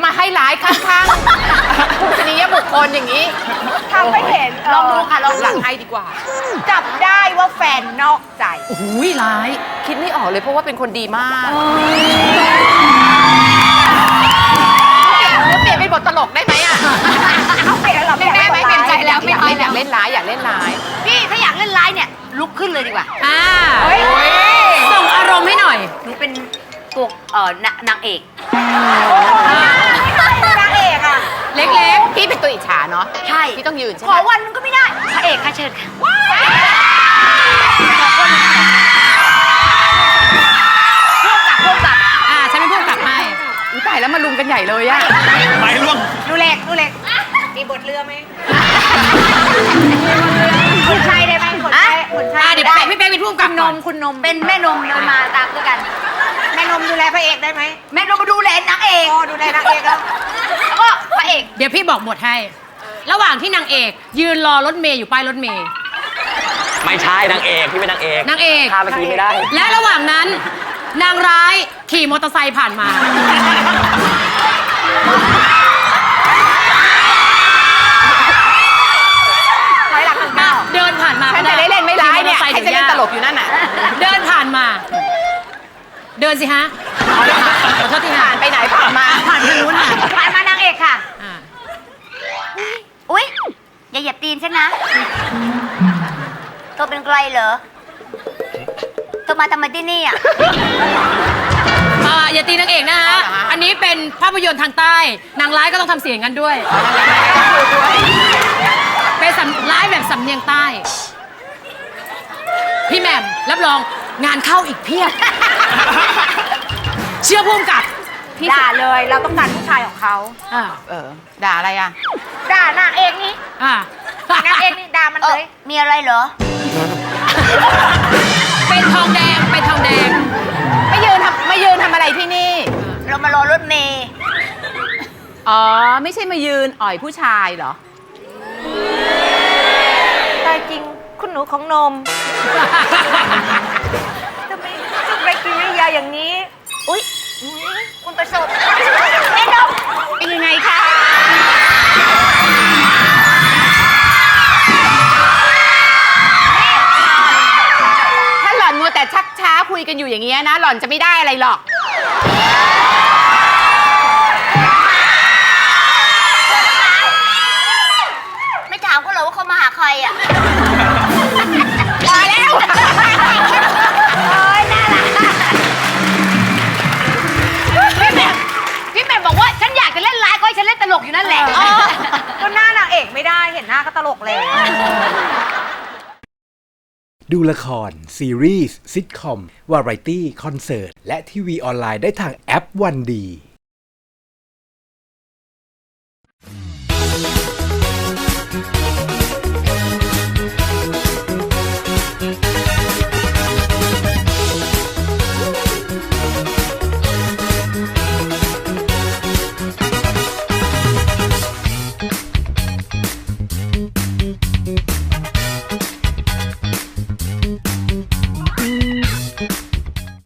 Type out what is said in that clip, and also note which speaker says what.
Speaker 1: มาให้ร้ายข้างๆผู้ชนียบุคคลอย่างนี้
Speaker 2: ทำไม่เห็น
Speaker 1: ลองดูค่ะลองหลังให้ดีกว่า
Speaker 2: จับได้ว่าแฟนนอกใจ
Speaker 1: โอ้โหร้ายคิดไม่ออกเลยเพราะว่าเป็นคนดีมากเปลี่ยนเป็นบทตลกได้ไหมอ่ะ
Speaker 2: เอาเปลี่ยนแล้วเหรอ
Speaker 1: ไม่ได้ไหมเปลี่ยนใจแล้วไม่เอาอยากเล่นร้ายอยากเล่นร้าย
Speaker 3: พี่ถ้าอยากเล่นร้ายเนี่ยลุกขึ้นเลยดีกว่า
Speaker 2: เฮ้ย
Speaker 4: ส่งอารมณ์ให้หน่อย
Speaker 3: หนูเป็นตัวนางเอก
Speaker 2: ไม่ใช่นางเอกอ่ะ
Speaker 1: เล็กๆพี่เป็นตัวอิจฉาเนาะ
Speaker 3: ใช่
Speaker 1: พี่ต้องยืนใช่
Speaker 3: ข
Speaker 1: ไหม
Speaker 3: อวันนึงก็ไม่ได้พระเอกค่ะเชิญค่ะ ร่วมกับ
Speaker 4: ฉันเป็นผู้กำกับให้
Speaker 1: อุ๊ยตายแล้วมาลุมกันใหญ่เลยอะ
Speaker 5: ไม้ร่วง
Speaker 2: ดูเล็กมีบทเรือไหมคนใช้ได้ไหมคนใช้คนใช้
Speaker 4: เดี๋ยวพี่เป๊กเป็นผู้กำกับ
Speaker 2: น
Speaker 4: ก่อน
Speaker 2: มคุณนม
Speaker 3: เป็นแม่นมเดินมาตามด้วยกัน
Speaker 2: แม่นมดูแลพระเอกได้ไหม
Speaker 3: แม่นมมาดูแลนางเอก
Speaker 2: อ๋อดูแลนางเอกแล้ว
Speaker 3: แล้วก็พระเอก
Speaker 4: เดี๋ยวพี่บอกบทให้ ระหว่างที่นางเอกยืนรอรถเมย์อยู่ป้ายรถเมย์
Speaker 5: ไม่ใช่นางเอกพี่เป็นนางเอก
Speaker 4: นางเอก
Speaker 5: พาไปทีไม่ได้
Speaker 4: และระหว่างนั้น นางร้ายขี่มอเตอร์ไซค์ผ่านมา
Speaker 2: ถอยหลังหนึ่งก้าว
Speaker 4: เดินผ่านมา
Speaker 1: ฉันจะได้เล่นไม่ร้ายเนี่ย
Speaker 4: ขี่มอ
Speaker 1: ให้
Speaker 4: ตอร์ไซค์
Speaker 1: ฉันเล่นตลกอยู่นั่นน่ะ
Speaker 4: เดินผ่านมา เดินสิฮะขอโทษทีฮะ
Speaker 1: ผ่านไปไหนผ่านมา
Speaker 4: ผ่านทางนู้นค่ะ
Speaker 3: ผ่านมานางเอกค่ะ
Speaker 4: อ่า
Speaker 3: อุ๊ย อย่าเหยียบตีนฉันนะเธอเป็นใครเหรอเธอมาทำไมที่นี่อ่ะ
Speaker 4: อย่าตีนางเอกนะฮะ อันนี้เป็นภาพยนตร์ทางใต้ นางร้ายก็ต้องทำเสียงกันด้วย เป็นร้ายแบบสำเนียงใต้ พี่แหม่มรับรองงานเข้าอีกเพียบ เชื่อพุ่มกับ
Speaker 2: ด่าเลยเราต้องการผู้ชายของเขา
Speaker 1: ด่าอะไรอ่ะ
Speaker 2: ด่านางเอกนี่
Speaker 4: อ่าน
Speaker 2: างเอกนี่ด่ามันเลย
Speaker 3: มีอะไรเหรอ
Speaker 4: เป็นทองแดง เป็นทองแดง
Speaker 1: ไม่ยืนทำอะไรที่นี่
Speaker 3: เรามารอรถเมย์
Speaker 1: อ๋อ ไม่ใช่มายืนอ่อยผู้ชายเหรอ
Speaker 2: ตายจริงคุณหนูของนมทำไมกินยาอย่างนี้
Speaker 3: อุ๊ย คุณประสบแม่นม
Speaker 1: เป็นยังไงคะ ถ้าหล่อนมัวแต่ชักช้าคุยกันอยู่อย่างเงี้ยนะ หล่อนจะไม่ได้อะไรหรอก
Speaker 3: ไม่ถามเขาเหรอว่าเขามาหาใครอ่ะ
Speaker 1: มาแล้ว
Speaker 3: โอ้ยน่ารักพี่แหม่มบอกว่าฉันอยากจะเล่นร้ายก็ให้ฉันเล่นตลกอยู่นั่นแหละ
Speaker 2: ก็หน้านางเอกไม่ได้เห็นหน้าก็ตลกแล้ว
Speaker 6: ดูละคร ซีรีส์ซิทคอม วาไรตี้ คอนเสิร์ต และทีวีออนไลน์ได้ทางแอปวันดี